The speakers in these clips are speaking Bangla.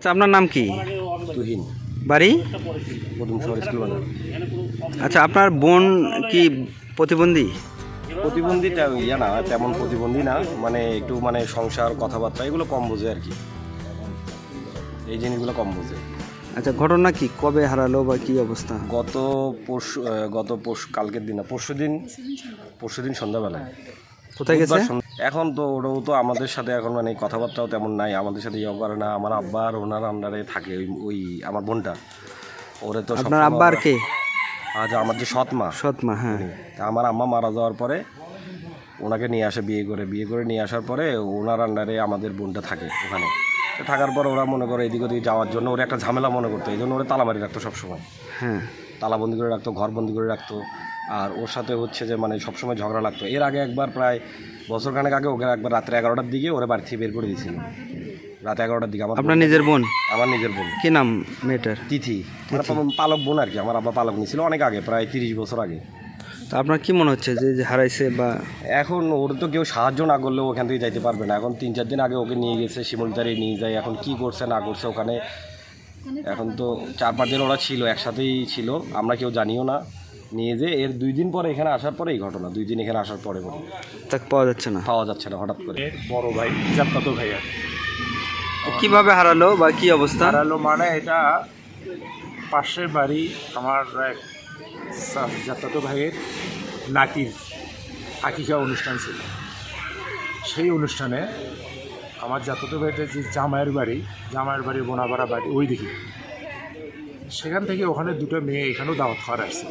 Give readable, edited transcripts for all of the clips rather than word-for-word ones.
আচ্ছা, আপনার নাম কি? তুহিন, বাড়ি? প্রথম শহর স্কুল বাজার। আচ্ছা, আপনার বোন কি প্রতিবন্ধী? প্রতিবন্ধীটা ইয়া না, তেমন প্রতিবন্ধী না, মানে একটু মানে সংসার কথাবার্তা এগুলো কম বোঝে আর কি, এই জিনিসগুলো কম বোঝে। আচ্ছা, ঘটনা কি, কবে হারালো বা কি অবস্থা? গত পরশু কালকের দিন না, পরশুদিন সন্ধ্যাবেলায়। কোথায় গেছে? এখন তো ওরাও তো আমাদের সাথে এখন মানে কথাবার্তাও তেমন নাই, আমাদের সাথে ইয়ে করে না। আমার আব্বা আর ওনার আন্ডারে থাকে ওই আমার বোনটা। ওরে তো আপনার আব্বা আর কে? আজ আমার যে সৎ মা, হ্যাঁ। তা আমার আম্মা মারা যাওয়ার পরে ওনাকে নিয়ে আসে, বিয়ে করে নিয়ে আসার পরে ওনার আন্ডারে আমাদের বোনটা থাকে ওখানে। তো থাকার পর ওরা মনে করে এদিক ওদিক যাওয়ার জন্য ওরা একটা ঝামেলা মনে করতো, এই জন্য ওরা তালামারি রাখতো সবসময়। হ্যাঁ, তালাবন্দি করে রাখতো, ঘরবন্দি করে রাখতো। আর ওর সাথে হচ্ছে যে মানে সবসময় ঝগড়া লাগতো। এর আগে একবার প্রায় বছরখানেক আগে ওকে একবার রাত্রে 11টার দিকে ওরা বাড়ি থেকে বের করে দিয়েছিল, রাত 11টার দিকে। আপনার নিজের বোন? আমার নিজের বোন। কি নাম মেয়েটার? তিথি, মানে পালক বোন আর কি। আমার আব্বা পালক নিয়েছিল অনেক আগে, প্রায় 30 বছর আগে। তো আপনার কি মনে হচ্ছে যে হারাইছে? বা এখন ওর তো কেউ সাহায্য না করলেও ওখান থেকে যাইতে পারবে না। এখন 3-4 দিন আগে ওকে নিয়ে গেছে, শিমুলতারি নিয়ে যায়। এখন কি করছে না করছে ওখানে, এখন তো 4-5 দিন ওরা ছিল, একসাথেই ছিল, আমরা কেউ জানিও না। নিয়ে যে এর 2 দিন পরে এখানে আসার পরে এই ঘটনা, 2 দিন এখানে আসার পরে তাকে পাওয়া যাচ্ছে না হঠাৎ করে। বড় ভাই, জাত্তাতো ভাই আর কিভাবে হারালো বা কি অবস্থা? হারালো মানে এটা পাশের বাড়ি আমার এক জাত্তাতো ভাইয়ের নাতির আকিকা অনুষ্ঠান ছিল। সেই অনুষ্ঠানে আমার জাত্তাতো ভাইয়ের যে জামাইয়ের বাড়ি বোনাপাড়া বাড়ি ওই দিকে, সেখান থেকে ওখানে দুটো মেয়ে এখানেও দাওয়াত খাওয়ার আসছে।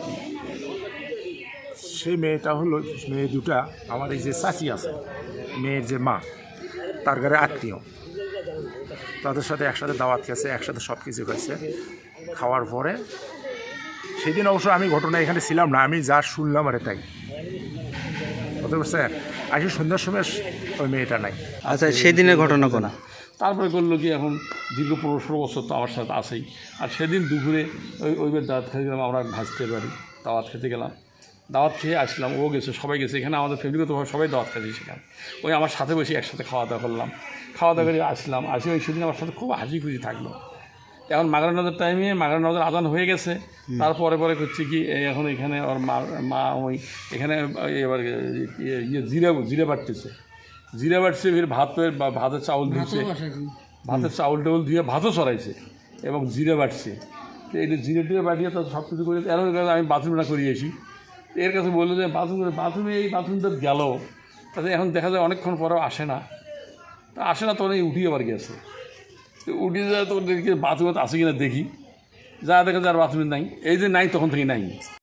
সেই মেয়ে দুটা আমার এই যে চাচি আছে, মেয়ের যে মা, তার ঘরে আত্মীয়, তাদের সাথে একসাথে দাওয়াত খেয়েছে, একসাথে সব কিছু খাইছে। খাওয়ার পরে সেদিন অবশ্য আমি ঘটনা এখানে ছিলাম না, আমি যা শুনলাম আরে তাই বুঝতে পারছেন। আসি সন্ধ্যার সময় ওই মেয়েটা নাই। আচ্ছা, সেই দিনের ঘটনা কোন? তারপরে করলো কি, এখন দীর্ঘ 15-16 বছর তো আমার সাথে আসেই। আর সেদিন দুপুরে ওইবার দাওয়াত খেতে গেলাম, আমরা ভাজতে পারি দাওয়াত খেতে গেলাম, দাওয়াত খেয়ে আসলাম, ও গেছে, সবাই গেছে। এখানে আমাদের ফ্যামিলিগতভাবে সবাই দাওয়াত খাচ্ছি সেখানে। ওই আমার সাথে বসে একসাথে খাওয়া দাওয়া করলাম, খাওয়া দাওয়া করে আসলাম। ওই সেদিন আমার সাথে খুব হাসি খুশি থাকলো। এখন মাগরিব নামাজের টাইমে মাগরিব নামাজের আজান হয়ে গেছে। তারপরে করছে কি, এখন এখানে ওর মা ওই এখানে এবার জিরে বাটতেছে, ফির ভাতের চাউল ধুচ্ছে, ভাতের চাউল টাউল ধুয়ে ভাতও চড়াইছে এবং জিরে বাটছে। তো এই জিরে টিরে বাটিয়ে তো সব কিছু করে এর আমি বাথরুমটা করিয়েছি। এর কাছে বললো যে বাথরুমে এই বাথরুমটা গেল, তাতে এখন দেখা যায় অনেকক্ষণ পরেও আসে না। তা আসে না, তখন এই উঠিয়ে আবার গেছে। তো উঠে যায়, তখন দেখি বাথরুমে আসে কিনা দেখি, যা দেখা যায় আর বাথরুমে নাই। এই যে নাই, তখন থেকে নাই।